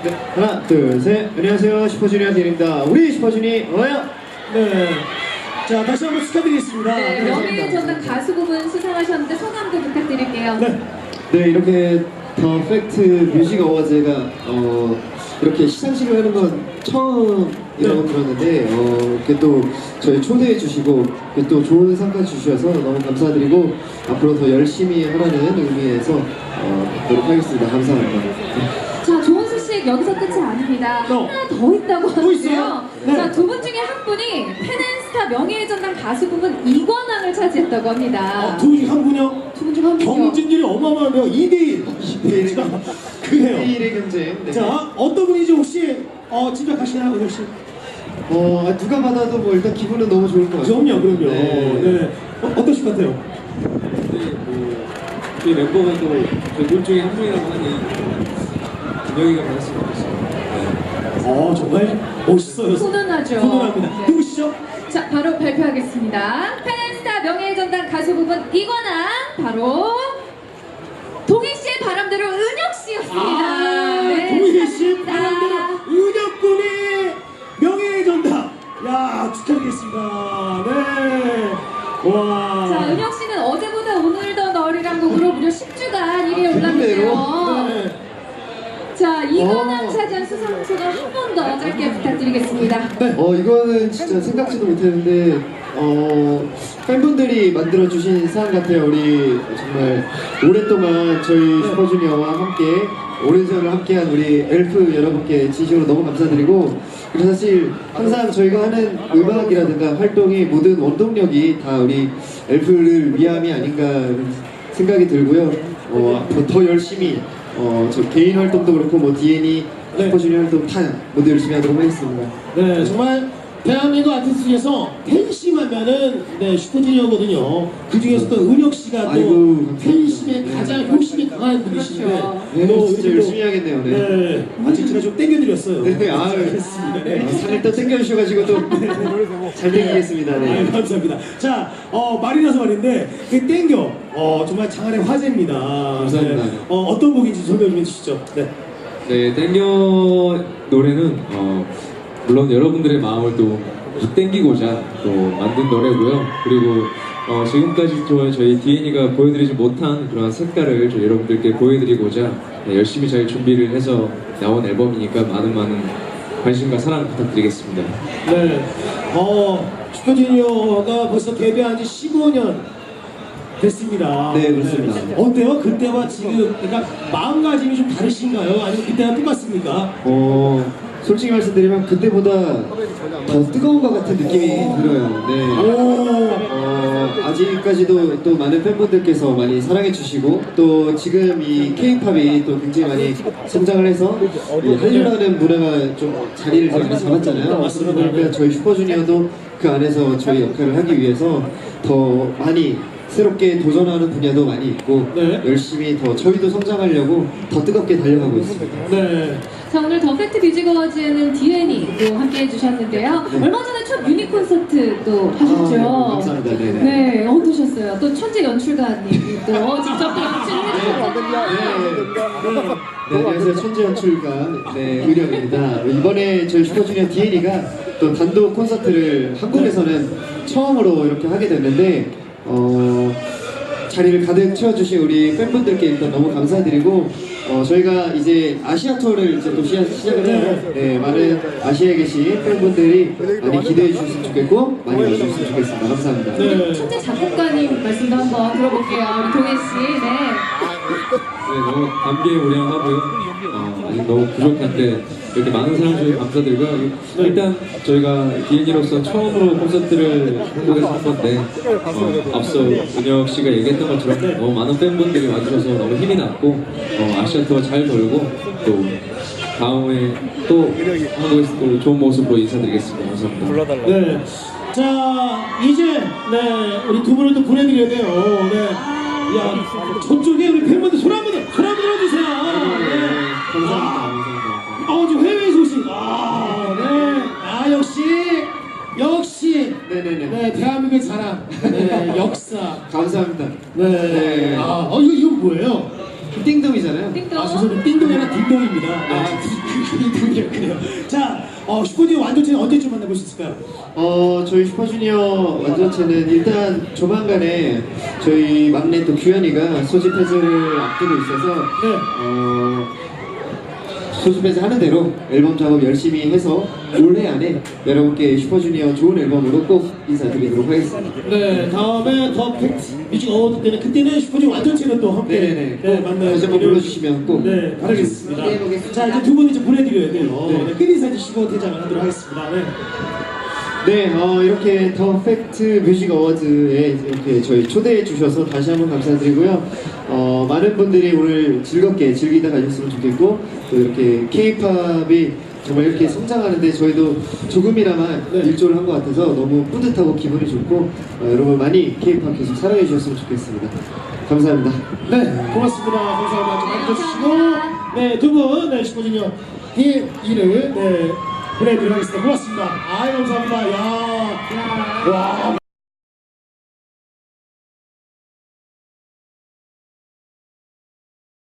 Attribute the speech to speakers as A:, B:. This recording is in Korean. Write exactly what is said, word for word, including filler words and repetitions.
A: 네, 하나, 둘, 셋. 안녕하세요. 슈퍼주니어 디엔입니다. 우리 슈퍼주니 어요?
B: 네. 자, 다시 한번 축하드리겠습니다.
C: 네,
B: 네,
C: 명예 전당 가수 부분 수상하셨는데 소감도 부탁드릴게요.
B: 네.
A: 네, 이렇게 더 팩트 뮤직 어워즈가 어, 이렇게 시상식을 하는 건 처음이라고
B: 네.
A: 들었는데 어, 이렇게 또 저희 초대해 주시고 이렇게 또 좋은 상까지 주셔서 너무 감사드리고 앞으로 더 열심히 하라는 의미에서 어, 노력하겠습니다. 감사합니다.
C: 자, 좋은 소식 여기서 끝이 아닙니다.
B: 어.
C: 하나 더 있다고
B: 또 있어요?
C: 하는데요.
B: 네.
C: 자, 두 분 중에 한 분이 팬앤스타 명예의 전당 가수 부분 이 관왕을 차지했다고 합니다.
B: 어, 두분 중 한 분이요?
C: 두 분 중 한 분이요.
B: 경쟁률이 어마어마한데요. 이 대 일. 이 대 일. 그래요.
A: 일의 경쟁. 네.
B: 자, 어떤 분인지 혹시 어, 짐작하시나요, 은혁 씨?
A: 어, 아, 누가 받아도 뭐 일단 기분은 너무 좋을 것 같아요.
B: 그럼요, 그럼요.
A: 네.
B: 네. 어, 어떠실 것 같아요?
D: 네, 뭐 저희 멤버가 또 저희 둘 중에 한 명이라고 하니 은혁이가 받았으면 좋겠어요. 네.
B: 어, 정말 멋있어요.
C: 훈훈하죠.
B: 훈훈합니다.
C: 네.
B: 누구시죠?
C: 자, 바로 발표하겠습니다. 팬앤스타 명예의 전당 가수 부분 이 관왕 바로 동희 씨의 바람대로 은혁 씨였습니다.
B: 아,
C: 네,
B: 동희 씨
C: 축하드립니다.
B: 바람대로 은혁 군이 명예의 전당. 야, 축하드리겠습니다. 네. 와.
C: 자, 은혁 씨는 어제보다 오늘 더 너리란 곡으로 무려 십 주간 일 위에
A: 아,
C: 올랐는데요.
B: 네.
C: 자, 이관왕
A: 어.
C: 차지한 수상 소감 한 번 더 짧게 부탁드리겠습니다.
A: 어 이거는 진짜 생각지도 못했는데 어 팬분들이 만들어주신 상 같아요. 우리 정말 오랫동안 저희 슈퍼주니어와 함께 오랜 세월을 함께한 우리 엘프 여러분께 진심으로 너무 감사드리고 그리고 사실 항상 저희가 하는 음악이라든가 활동이 모든 원동력이 다 우리 엘프를 위함이 아닌가 생각이 들고요. 어, 더, 더 열심히 어, 저 개인 활동도 그렇고 뭐 디엔이
B: 네.
A: 슈퍼주니어 활동 다 모두 열심히 하도록 하겠습니다.
B: 네, 정말 대한민국 아티스트 중에서 팬심하면은 네, 슈퍼주니어거든요. 그 중에서도 은혁 씨가 또
A: 아이고,
B: 팬심에
A: 감사합니다.
B: 가장 효심이 강한 분이신데,
C: 그렇죠.
A: 네,
B: 또
A: 진짜
B: 이렇게
A: 열심히
B: 또,
A: 해야겠네요. 네.
B: 네, 아직 제가 좀 땡겨드렸어요.
A: 네, 아유.
B: 알겠습니다. 네.
A: 아, 살을 또 땡겨주셔가지고 또 잘 땡기겠습니다.
B: 아,
A: 네.
B: 감사합니다. 자, 어, 말이 나서 말인데, 그 땡겨, 어, 정말 장안의 화제입니다.
A: 감사합니다.
B: 네. 어, 어떤 곡인지 설명 좀 해주시죠. 네.
D: 네, 땡겨 노래는 어, 물론 여러분들의 마음을 또 땡기고자 또 만든 노래고요. 그리고 어, 지금까지 또 저희 디엔이가 보여드리지 못한 그런 색깔을 저희 여러분들께 보여드리고자 네, 열심히 잘 준비를 해서 나온 앨범이니까 많은 많은 관심과 사랑 부탁드리겠습니다.
B: 네. 어, 슈퍼주니어가 벌써 데뷔한 지 십오 년 됐습니다.
A: 네, 그렇습니다.
B: 네. 어때요? 그때와 지금, 그러니까 마음가짐이 좀 다르신가요? 아니면 그때와 똑같습니까?
A: 어, 솔직히 말씀드리면 그때보다 더 뜨거운 것 같은 느낌이 들어요. 네.
B: 오,
A: 어, 아직까지도 또 많은 팬분들께서 많이 사랑해주시고 또 지금 이 K-팝이 또 굉장히 많이 성장을 해서 이 한류라는 문화가 좀 자리를 좀 많이 잡았잖아요.
B: 맞습니다.
A: 그러니까 저희 슈퍼주니어도 그 안에서 저희 역할을 하기 위해서 더 많이 새롭게 도전하는 분야도 많이 있고
B: 네.
A: 열심히 더 저희도 성장하려고 더 뜨겁게 달려가고 있습니다.
B: 네.
C: 자, 오늘 더 팩트 뮤직 어워즈는 디엔이도 함께 해주셨는데요.
A: 네.
C: 얼마 전에 첫 유닛 콘서트도 하셨죠?
A: 아, 감사합니다. 네네.
C: 네, 어떠셨어요? 또 천재 연출가님이 또 직접 또 연출을 해주셨잖아요.
A: 네, 안녕하세요. 천재 연출가 네, 의령입니다. 이번에 저희 슈퍼주니어 디엔이가 또 단독 콘서트를 한국에서는 처음으로 이렇게 하게 됐는데 어, 자리를 가득 채워주신 우리 팬분들께 일단 너무 감사드리고 어, 저희가 이제 아시아 투어를 이제 또 시작, 시작을 해요. 네, 많은 아시아에 계신 팬분들이 많이 기대해 주셨으면 좋겠고 많이 와주셨으면 좋겠습니다. 감사합니다.
B: 네.
C: 천재 작곡가님 말씀도 한번 들어볼게요. 우리 동해씨. 네.
D: 네, 너무 감개무량하고요. 어, 아직 너무 부족한데 이렇게 많은 사랑 주셔서 감사드리고요. 일단 저희가 디엔이로서 처음으로 콘서트를 한국에서 한 건데 어, 앞서 은혁 씨가 얘기했던 것처럼 너무 많은 팬분들이 와주셔서 너무 힘이 났고 어, 아시아 투어 잘 돌고 또 다음에 또 한국에서 또 좋은 모습으로 인사드리겠습니다. 감사합니다.
B: 네. 자, 이제, 네, 우리 두 분을 또 보내드려야 돼요. 네. 야, 저쪽에 우리 팬분들 손 한 번 더, 손 한 번 들어주세요. 네.
A: 감사합니다.
B: 아,
A: 감사합니다.
B: 어, 지금 해외 소식. 아, 네. 아, 역시, 역시.
A: 네네네.
B: 네, 대한민국의 자랑. 네, 역사.
A: 감사합니다.
B: 네.
A: 네.
B: 아, 어, 이거, 이거 뭐예요?
A: 띵동이잖아요.
C: 띵동.
B: 아, 죄송합니다. 띵동이 아니라 딩동입니다. 아, 띵동이었군요. 자, 어, 슈퍼주니어 완전체는 언제쯤 만나볼 수 있을까요?
A: 어, 저희 슈퍼주니어 완전체는 일단 조만간에 저희 막내 또 규현이가 소집 해제를 앞두고 있어서
B: 네.
A: 어, 소집 해제 하는 대로 앨범 작업 열심히 해서 올해 안에 여러분께 슈퍼주니어 좋은 앨범으로 꼭 인사드리도록 하겠습니다.
B: 네, 다음에 더 팩트 뮤직 어워드 때는 그때는 슈퍼주니어 완전체로 또 함께
A: 네네네.
B: 네, 만나요.
A: 다시 한번 불러주시면 꼭
B: 네, 바라겠습니다.
A: 기대해 보겠습니다.
B: 자, 이제 두 분 이제 보내드려야 돼요.
A: 네.
B: 네, 끝인사 해주시고 퇴장을 하도록 하겠습니다. 네.
A: 네, 어, 이렇게 더 팩트 뮤직 어워즈에 이렇게 저희 초대해 주셔서 다시 한번 감사드리고요. 어, 많은 분들이 오늘 즐겁게 즐기다 가셨으면 좋겠고, 또 이렇게 K-팝이 정말 이렇게 성장하는데 저희도 조금이나마
B: 네.
A: 일조를 한 것 같아서 너무 뿌듯하고 기분이 좋고, 어, 여러분 많이 K-팝 계속 사랑해 주셨으면 좋겠습니다. 감사합니다.
B: 네, 고맙습니다. 감사합니다. 좀 많이 들어주시고, 네, 두 분, 네, 슈퍼주니어 디엘이를, 네, 보내드리도록 하겠습니다. 고맙습니다. 아이, 감사합니다. 야, 와.